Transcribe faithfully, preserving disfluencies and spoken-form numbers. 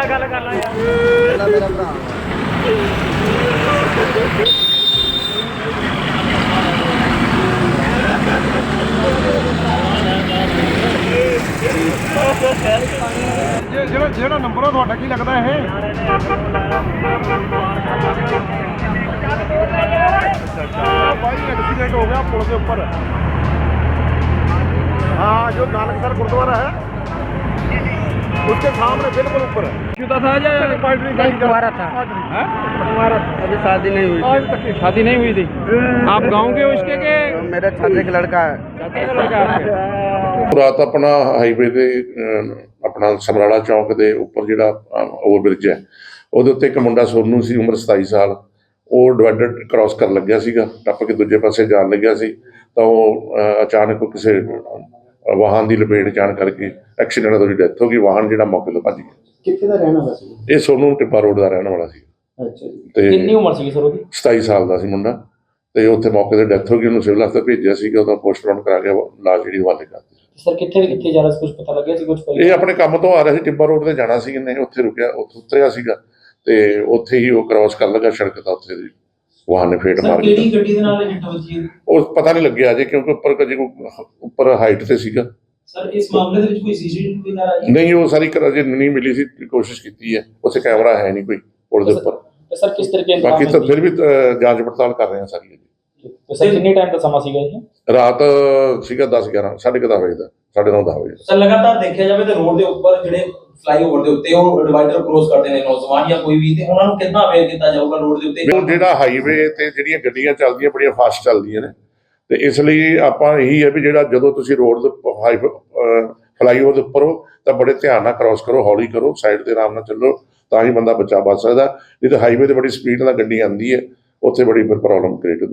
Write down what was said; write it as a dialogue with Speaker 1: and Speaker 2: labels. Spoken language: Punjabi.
Speaker 1: ਗੱਲ ਕਰ ਲਾ ਯਾਰ
Speaker 2: ਮੇਰਾ ਭਰਾ
Speaker 3: ਜਿਹੜਾ ਜਿਹੜਾ ਨੰਬਰ ਆ ਤੁਹਾਡਾ ਕੀ ਲੱਗਦਾ ਇਹ ਭਾਈ ਐਕਸੀਡੈਂਟ ਹੋ ਗਿਆ ਪੁਲ ਦੇ ਉੱਪਰ हाँ जो नानकसर गुरुद्वारा है उसके सामने बिल्कुल ऊपर
Speaker 1: था तुम्हारा था
Speaker 2: हमारा अभी शादी नहीं हुई
Speaker 1: शादी नहीं हुई थी आप गांव के उसके के
Speaker 2: मेरा छात्रे का लड़का है
Speaker 1: चाचा का लड़का आपके
Speaker 4: ਰਾਤ ਆਪਣਾ ਹਾਈਵੇ ਦੇ ਅਹ, ਆਪਣਾ ਸਮਰਾਲਾ ਚੌਂਕ ਦੇ ਉੱਪਰ ਜਿਹੜਾ ਓਵਰਬ੍ਰਿਜ ਹੈ ਉਹਦੇ ਉੱਤੇ ਇੱਕ ਮੁੰਡਾ ਸੋਨੂ ਸੀ ਉਮਰ ਸਤਾਈ ਸਾਲ ਉਹ ਡਿਵਾਈਡਰ ਕ੍ਰਾਸ ਕਰਨ ਲੱਗਿਆ ਸੀਗਾ ਟੱਪ ਕੇ ਦੂਜੇ ਪਾਸੇ ਜਾਣ ਲੱਗਿਆ ਸੀ ਤਾਂ ਉਹ ਅਹ, ਅਚਾਨਕ ਕਿਸੇ ਅਹ, ਵਾਹਨ ਦੀ ਲਪੇਟ ਜਾਣ ਕਰਕੇ ਐਕਸੀਡੈਂਟ ਨਾਲ ਉਹਦੀ ਡੈਥ ਹੋ ਗਈ। ਵਾਹਨ ਜਿਹੜਾ ਮੌਕੇ ਤੋਂ ਭੱਜ ਗਿਆ।
Speaker 5: ਕਿੱਥੇ ਦਾ ਰਹਿਣ ਵਾਲਾ ਸੀ?
Speaker 4: ਇਹ ਸੋਨੂ ਟਿੱਬਾ ਰੋਡ ਦਾ ਰਹਿਣ ਵਾਲਾ ਸੀ
Speaker 5: ਅੱਛਾ ਜੀ।
Speaker 4: ਤੇ
Speaker 1: ਕਿੰਨੀ ਉਮਰ ਸੀ ਸਰ ਉਹਦੀ?
Speaker 4: ਸਤਾਈ ਸਾਲ ਦਾ ਸੀ ਮੁੰਡਾ ਤੇ ਉੱਥੇ ਮੌਕੇ ਤੇ ਡੈਥ ਹੋ ਗਈ। ਉਹਨੂੰ ਸਿਵਲ ਹਸਪਤਾਲ ਭੇਜਿਆ ਸੀਗਾ, ਉਹਦਾ ਪੋਸਟਮਾਰਟਮ ਕਰਾ ਕੇ ਲਾਸ਼ ਜਿਹੜੀ ਹਵਾਲੇ ਕਰਤੀ।
Speaker 1: ਸਰ ਕਿੱਥੇ ਵੀ ਕਿੱਥੇ ਜਾ ਰਿਹਾ ਸੀ ਕੁਝ ਪਤਾ ਲੱਗਿਆ ਸੀ ਕੁਝ?
Speaker 4: ਇਹ ਆਪਣੇ ਕੰਮ ਤੋਂ ਆ ਰਿਹਾ ਸੀ, ਟਿੱਬਾ ਰੋਡ ਤੇ ਜਾਣਾ ਸੀ, ਇਹਨੇ ਉੱਥੇ ਰੁਕਿਆ, ਉੱਥੇ ਉਤਰਿਆ ਸੀਗਾ ਤੇ ਉੱਥੇ ਹੀ ਉਹ ਕ੍ਰਾਸ ਕਰਨ ਲੱਗਾ ਸੜਕ ਤਾਂ ਉੱਥੇ ਦੀ ਵਾਹਨ ਨੇ ਫੇਟ ਮਾਰ
Speaker 1: ਕਿਹੜੀ ਗੱਡੀ ਦੇ ਨਾਲ ਹਿੱਟ ਵੱਜੀ ਹੈ?
Speaker 4: ਉਹ ਪਤਾ ਨਹੀਂ ਲੱਗਿਆ ਅਜੇ ਕਿਉਂਕਿ ਉੱਪਰ ਕਦੇ ਉੱਪਰ ਹਾਈਟ ਤੇ ਸੀਗਾ।
Speaker 1: ਸਰ ਇਸ ਮਾਮਲੇ ਦੇ ਵਿੱਚ ਕੋਈ ਸੀਸੀਟੀਵੀ ਨਾ ਆਈ?
Speaker 4: ਨਹੀਂ, ਉਹ ਸਾਰੀ ਕਰ ਅਜੇ ਨਹੀਂ ਮਿਲੀ ਸੀ, ਕੋਸ਼ਿਸ਼ ਕੀਤੀ ਹੈ, ਉੱਥੇ ਕੈਮਰਾ ਹੈ ਨਹੀਂ ਕੋਈ ਪੁਲ ਦੇ ਉੱਪਰ।
Speaker 1: ਸਰ ਕਿਸ ਤਰੀਕੇ ਨਾਲ?
Speaker 4: ਬਾਕੀ ਤਾਂ ਫਿਰ ਵੀ ਅਹ, ਜਾਂਚ ਪੜਤਾਲ ਕਰ ਰਹੇ ਹਾਂ ਸਾਰੀ।
Speaker 1: ਸਰ ਕਿੰਨੇ ਟਾਈਮ ਦਾ ਸਮਾਂ ਸੀਗਾ ਇਹ?
Speaker 4: ਰਾਤ ਸੀਗਾ ਦਸ ਗਿਆਰਾਂ ਸਾਢੇ ਕੁ ਦਸ ਵਜੇ ਦਾ, ਸਾਢੇ ਨੌ ਦਸ ਵਜੇ।
Speaker 6: ਸਰ ਲਗਾਤਾਰ ਦੇਖਿਆ ਜਾਵੇ ਤੇ ਰੋਡ ਦੇ ਉੱਪਰ ਜਿਹੜੇ ਫਲਾਈਓਵਰ ਦੇ ਉੱਤੇ ਉਹ ਡਿਵਾਈਡਰ ਕ੍ਰੋਸ ਕਰਦੇ ਨੇ ਨੌਜਵਾਨ ਜਾਂ ਕੋਈ ਵੀ, ਤੇ ਉਹਨਾਂ ਨੂੰ ਕਿੰਨਾ ਅਵੇਅਰ ਕੀਤਾ ਜਾਊਗਾ ਰੋਡ ਦੇ ਉੱਤੇ?
Speaker 4: ਉਹ ਜਿਹੜਾ ਹਾਈਵੇ ਤੇ ਜਿਹੜੀਆਂ ਗੱਡੀਆਂ ਚੱਲਦੀਆਂ ਬੜੀਆਂ ਫਾਸਟ ਚੱਲਦੀਆਂ ਨੇ ਤੇ ਇਸ ਲਈ ਆਪਾਂ ਇਹੀ ਹੈ ਵੀ ਜਿਹੜਾ ਜਦੋਂ ਤੁਸੀਂ ਰੋਡ ਦੇ ਫਲਾਈਓਵਰ ਦੇ ਉੱਪਰ ਹੋ ਤਾਂ ਬੜੇ ਧਿਆਨ ਨਾਲ ਕ੍ਰਾਸ ਕਰੋ, ਹੌਲੀ ਕਰੋ, ਸਾਈਡ ਤੇ ਆਰਾਮ ਨਾਲ ਚੱਲੋ, ਤਾਂ ਹੀ ਬੰਦਾ ਬਚਾ ਬਚ ਸਕਦਾ। ਨਹੀਂ ਤਾਂ ਹਾਈਵੇ ਤੇ ਬੜੀ ਸਪੀਡ ਨਾਲ ਗੱਡੀ ਆਉਂਦੀ ਹੈ, ਉੱਥੇ ਬੜੀ ਫਿਰ ਪ੍ਰੋਬਲਮ ਕ੍ਰੀਏਟ ਹੁੰਦੀ।